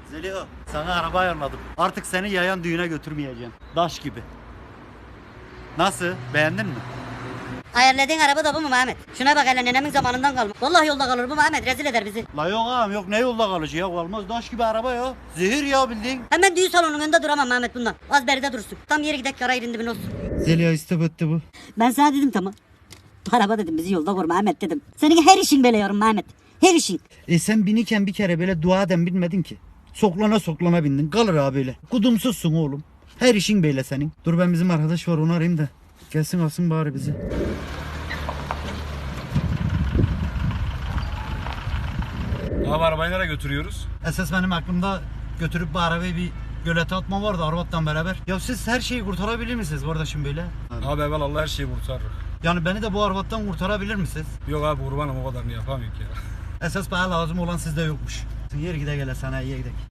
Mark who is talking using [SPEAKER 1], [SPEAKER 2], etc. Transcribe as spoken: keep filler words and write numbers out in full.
[SPEAKER 1] Zeliha, sana araba ayarladım. Artık seni yayan düğüne götürmeyeceğim. Daş gibi. Nasıl? Beğendin mi?
[SPEAKER 2] Ayarladığın araba da bu mu Mehmet? Şuna bak hele nenemin zamanından kalma. Vallahi yolda kalır bu Mehmet, rezil eder bizi.
[SPEAKER 1] La yok ağam yok, ne yolda kalıcı ya, olmaz, daş gibi araba ya. Zehir ya bildiğin.
[SPEAKER 2] Hemen düğün salonunun önünde duramam Mehmet bundan. Az beride dursun. Tam yeri gidek yara yerinde bin olsun.
[SPEAKER 1] Zeliha istebetti bu.
[SPEAKER 2] Ben sana dedim tamam. Araba dedim bizi yolda vur Mehmet dedim. Senin her işin böyle yorum Mehmet. Her işin.
[SPEAKER 1] E sen biniken bir kere böyle dua eden bilmedin ki. Soklana soklana bindin, kalır abi böyle. Kudumsuzsun oğlum. Her işin böyle senin. Dur ben bizim arkadaş var onu arayayım da. Gelsin alsın bari bizi.
[SPEAKER 3] Abi arabayı nereye götürüyoruz?
[SPEAKER 1] Esas benim aklımda götürüp bu arabayı bir gölete atma vardı Arvat'tan beraber. Ya siz her şeyi kurtarabilir misiniz kardeşim böyle?
[SPEAKER 3] Abi evvel Allah her şeyi kurtarır.
[SPEAKER 1] Yani beni de bu Arvat'tan kurtarabilir misiniz?
[SPEAKER 3] Yok abi kurbanım o kadarını yapamıyor ya.
[SPEAKER 1] Esas bana lazım olan sizde yokmuş. Yer gide gele sana iyi gidelim.